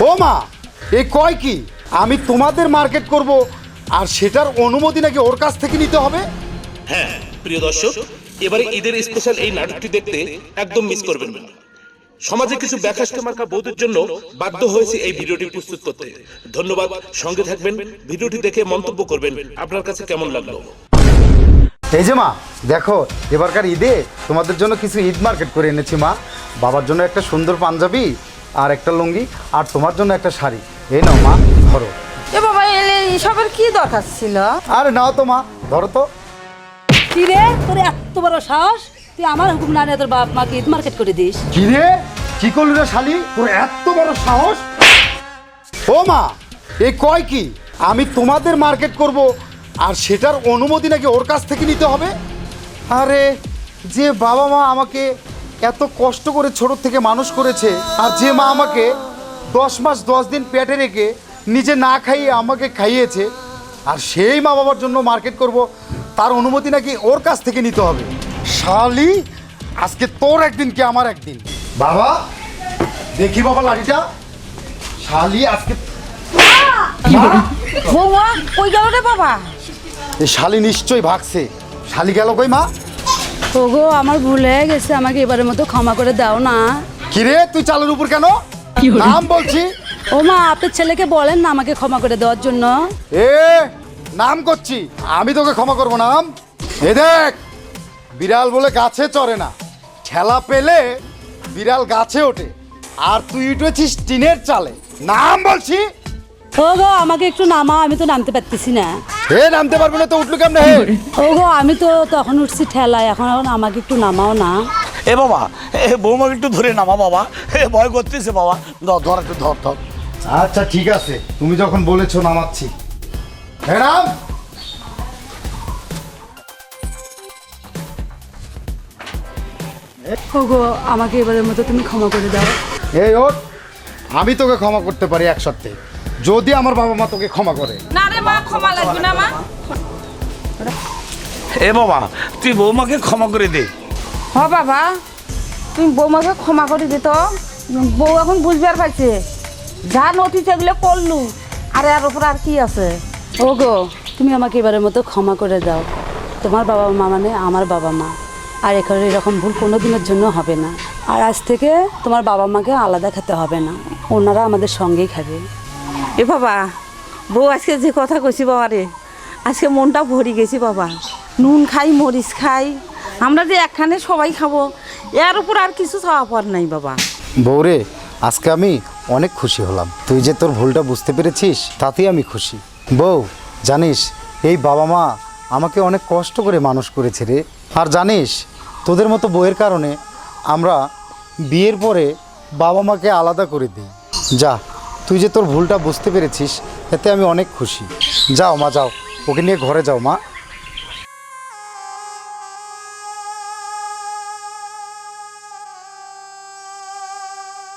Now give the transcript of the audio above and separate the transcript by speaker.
Speaker 1: ও মা, এই কয় কি আমি তোমাদের মার্কেট করব আর সেটার অনুমতি নাকি ওর কাছ থেকে নিতে হবে?
Speaker 2: হ্যাঁ প্রিয় দর্শক, এবারে ঈদের স্পেশাল এই নাটকটি দেখতে একদম মিস করবেন না। সমাজে কিছু ব্যাকস্ত মার্কা বৌদের জন্য বাধ্য হয়েছে এই ভিডিওটি প্রস্তুত করতে। ধন্যবাদ, সঙ্গে থাকবেন, ভিডিওটি দেখে মন্তব্য করবেন আপনার কাছে কেমন লাগলো।
Speaker 1: এই যে মা দেখো, এবারকার ঈদে তোমাদের জন্য কিছু ঈদ মার্কেট করে এনেছি মা। বাবার জন্য একটা সুন্দর পাঞ্জাবি আর একটা লুঙ্গি, আর তোমার জন্য একটা শাড়ি। এই নাও মা, ধরো।
Speaker 3: এ বাবা, এসবের কি দরকার ছিল?
Speaker 1: আরে নাও তো মা, ধরো তো।
Speaker 4: কি রে, তোর এত বড় সাহস, তুই আমার হুকুম না নিয়ে তোর বাপ মাকে ঈদ মার্কেট করে দিস?
Speaker 1: কি রে, কি করলি রে শালি, তোর এত বড় সাহস? ও মা, এই কয় কি আমি তোমাদের মার্কেট করব আর সেটার অনুমতি নাকি ওর কাছ থেকে নিতে হবে? আরে যে বাবা মা আমাকে এত কষ্ট করে ছোট থেকে মানুষ করেছে, আর যে মা আমাকে 10 মাস 10 দিন পেটে রেখে নিজে না খাইয়ে আমাকে খাইয়েছে, আর সেই মা বাবার জন্য মার্কেট করব, তার অনুমতি নাকি ওর কাছ থেকে নিতে হবে? শালি, আজকে তোর একদিন কি আমার একদিন। বাবা দেখি বাবা লাঠিটা। শালি আজকে
Speaker 3: বৌমা কই গেল রে বাবা?
Speaker 1: এই শালি নিশ্চয়ই ভাগছে। শালি গেল কই মা?
Speaker 4: ওগো, আমার ভুল হয়ে গেছে, আমাকে এবারের মতো ক্ষমা করে দাও না।
Speaker 1: কিরে তুই চালের উপর কেন? নাম বলছি।
Speaker 4: ও মা, আপনার ছেলেকে বলেন না আমাকে ক্ষমা করে দেওয়ার জন্য।
Speaker 1: এ নাম করছি, আমি তোকে ক্ষমা করবো না। নাম এ দেখ, বিড়াল বলে গাছে চড়ে না, ঠেলা পেলে বিড়াল গাছে ওঠে, আর তুই উঠেছিস টিনের চালে। নাম বলছি।
Speaker 4: ওগো, আমাকে একটু নামাও, আমি তো নামতে পারতেছি না।
Speaker 1: হে নামতে পারবি না তো উঠলো কেমনে? হে
Speaker 4: ওগো, আমি তো তখন উঠছি ঠেলায়, এখন আমাকে একটু নামাও না।
Speaker 5: এ বাবা, এ বৌমাকে একটু ধরে নামা বাবা, এ ভয় করতেছে বাবা। ধর একটু ধর।
Speaker 1: আচ্ছা ঠিক আছে, তুমি যখন বলেছো নামাচ্ছি। হে নাম।
Speaker 4: ওগো, আমাকে এবারের মতো তুমি ক্ষমা করে দাও।
Speaker 1: এই ওঠ, আমি তোকে ক্ষমা করতে পারি এক সপ্তাহে, যদি আমার বাবা মা তোকে ক্ষমা করে।
Speaker 3: না রে মা, ক্ষমা লাগবে না মা।
Speaker 5: এ বাবা, তুই বৌমাকে ক্ষমা করে দে।
Speaker 3: হ বাবা, তুমি বৌমাকে ক্ষমা করে দিত। বউ এখন বুঝবে আর পাইছে, যা নথি সেগুলো করলু, আর এর উপর আর কি আছে?
Speaker 4: ওগো, তুমি আমাকে এবারের মতো ক্ষমা করে দাও। তোমার বাবা মা মানে আমার বাবা মা, আর এখানে এরকম ভুল কোনো দিনের জন্য হবে না। আর আজ থেকে তোমার বাবা মাকে আলাদা খেতে হবে না, ওনারা আমাদের সঙ্গেই খাবে।
Speaker 3: এ বাবা, বউ আজকে যে কথা কইছি বাবা রে, আজকে মনটা ভরি গেছি বাবা। নুন খাই, মরিচ খাই, আমরা যে একখানে সবাই খাবো, এর উপর আর কিছু চাওয়া পার নাই বাবা।
Speaker 1: বউরে, আজকে আমি অনেক খুশি হলাম। তুই যে তোর ভুলটা বুঝতে পেরেছিস, তাতেই আমি খুশি। বউ, জানিস এই বাবা মা আমাকে অনেক কষ্ট করে মানুষ করেছে রে। আর জানিস, তোদের মতো বউয়ের কারণে আমরা বিয়ের পরে বাবা মাকে আলাদা করে দিই। যা, তুই যে তোর ভুলটা বুঝতে পেরেছিস, এতে আমি অনেক খুশি। যাও মা, যাও, ওকে নিয়ে ঘরে যাও মা।